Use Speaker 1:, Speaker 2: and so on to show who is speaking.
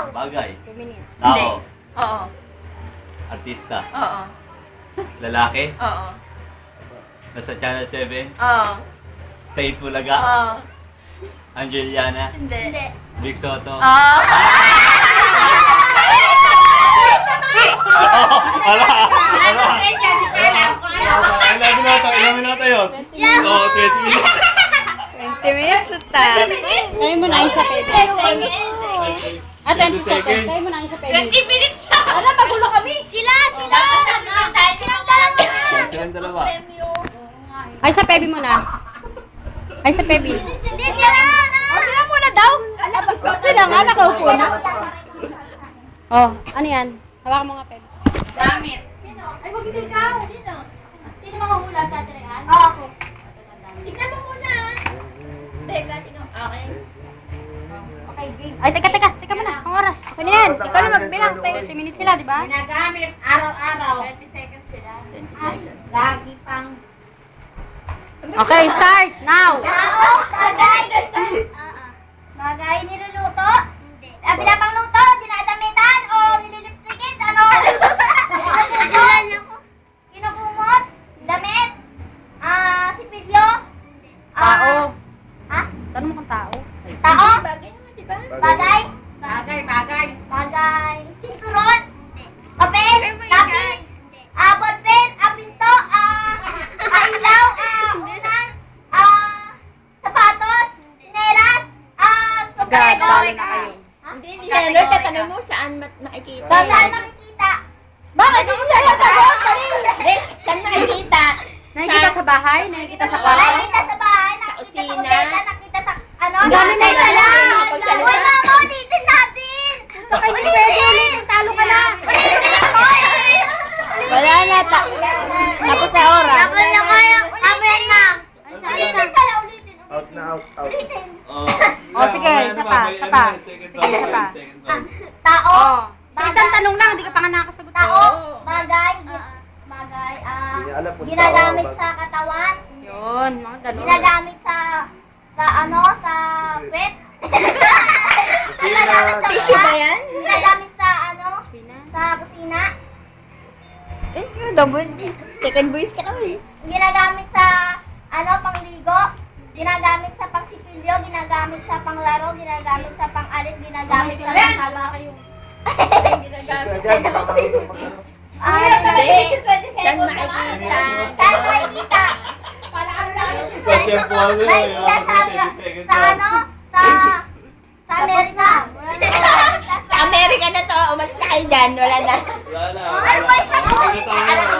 Speaker 1: Bagay.
Speaker 2: 2 minutes.
Speaker 1: Tao.
Speaker 3: Oo.
Speaker 1: Artista.
Speaker 3: Oo.
Speaker 1: Lalaki.
Speaker 3: Oo.
Speaker 1: Nasa Channel 7.
Speaker 3: Oo.
Speaker 1: Sa Itbulaga.
Speaker 3: Oo.
Speaker 1: Angeliana.
Speaker 3: Hindi.
Speaker 1: Big Soto.
Speaker 3: Oo.
Speaker 1: Ala! Ilang minuto yun? Oo, 20 minutes.
Speaker 2: 20 minutes na tayo. Kaya mo na isa pwede. 20 seconds. Kaya mo na isa pwede.
Speaker 3: 20 minutes na!
Speaker 4: Alam, magulo kami. Sila.
Speaker 1: Silang dalawa.
Speaker 2: Ay, sa Pebi mo na. Ay, sa Pebi.
Speaker 4: Hindi sila. Sila muna daw. Sila nga, nakaupo na.
Speaker 2: Oh, ano yan? Hawakan mo nga, Pebs.
Speaker 3: Damit.
Speaker 4: Ay, wag hindi ikaw.
Speaker 3: Sino makahula sa atin yan?
Speaker 4: Ako.
Speaker 3: Tignan mo muna. Teka, tignan. Okay.
Speaker 2: Okay, game. Ay, teka muna. Ang oras. Okay na yan. Ikaw na magbilang. 20 minutes sila, di ba?
Speaker 3: Ginagamit araw-araw. 20 seconds sila.
Speaker 4: Lagi pang...
Speaker 2: Okay, start. Now.
Speaker 4: Tao, bagay. Bagay, niluluto. Hindi. Pinapangluto, dinadamitan, o nililipstikin, ano? Kinukumot, damit, sipilyo.
Speaker 2: Tao.
Speaker 4: Ha?
Speaker 2: Tanong mo kung tao.
Speaker 4: Tao?
Speaker 3: Bagay naman, di ba?
Speaker 4: Bagay?
Speaker 3: Bagay.
Speaker 4: Bagay. Sinturon? Papel? Lapis? Ballpen? Pinto? Ilaw? Unan? Sapatos? Sinelas?
Speaker 2: God, talo na kayo.
Speaker 3: Hindi yan. Tatanong mo saan makikita.
Speaker 4: Saan makikita?
Speaker 3: Bakit? Kung yan ang sagot, saan makikita?
Speaker 2: Nakikita sa bahay? Nakikita sa kwarto?
Speaker 4: Nakikita sa bahay? Nakikita sa
Speaker 3: kusina.
Speaker 4: kusina? Nakikita sa ano?
Speaker 2: Ang dami na
Speaker 4: Nakikita
Speaker 2: yan.
Speaker 4: lang. Wala mo, ulitin natin.
Speaker 2: Saka hindi pwede ulit. Talo ka na.
Speaker 4: Ulitin ako eh.
Speaker 2: Wala na. Tapos na oras.
Speaker 4: Tapos na kayo. Amen na. Ulitin pala, ulitin.
Speaker 5: Out na, out.
Speaker 4: Ulitin.
Speaker 2: Oh, sige, isa pa. Sige, isa pa.
Speaker 4: Tao.
Speaker 2: Oh. Sa isang tanong lang, hindi ka pa nga nakakasagot.
Speaker 4: Tao. Bagay. Bagay.
Speaker 5: Hindi niya alam kung
Speaker 4: Ginagamit
Speaker 5: tao.
Speaker 4: sa katawan.
Speaker 2: Yun, mga ganun.
Speaker 4: Ginagamit sa pet.
Speaker 5: Tissue
Speaker 3: ba yan?
Speaker 4: Ginagamit sa
Speaker 2: Kusina.
Speaker 4: sa kusina.
Speaker 3: Second voice ka kami.
Speaker 4: Ginagamit sa pangligo. Ginagamit sa pangsipilyo, ginagamit sa panglaro, ginagamit sa pangalit, ginagamit sa
Speaker 2: Talo na kayo.
Speaker 3: Ginagamit.
Speaker 5: Diyan, baka makita mag
Speaker 3: Saan makikita?
Speaker 4: Saan makikita?
Speaker 1: Sa tempo ano
Speaker 4: Makikita sa Amerika.
Speaker 3: Sa Amerika na to. Umalis na kayo dyan. Wala na.
Speaker 1: Wala na.
Speaker 4: Wala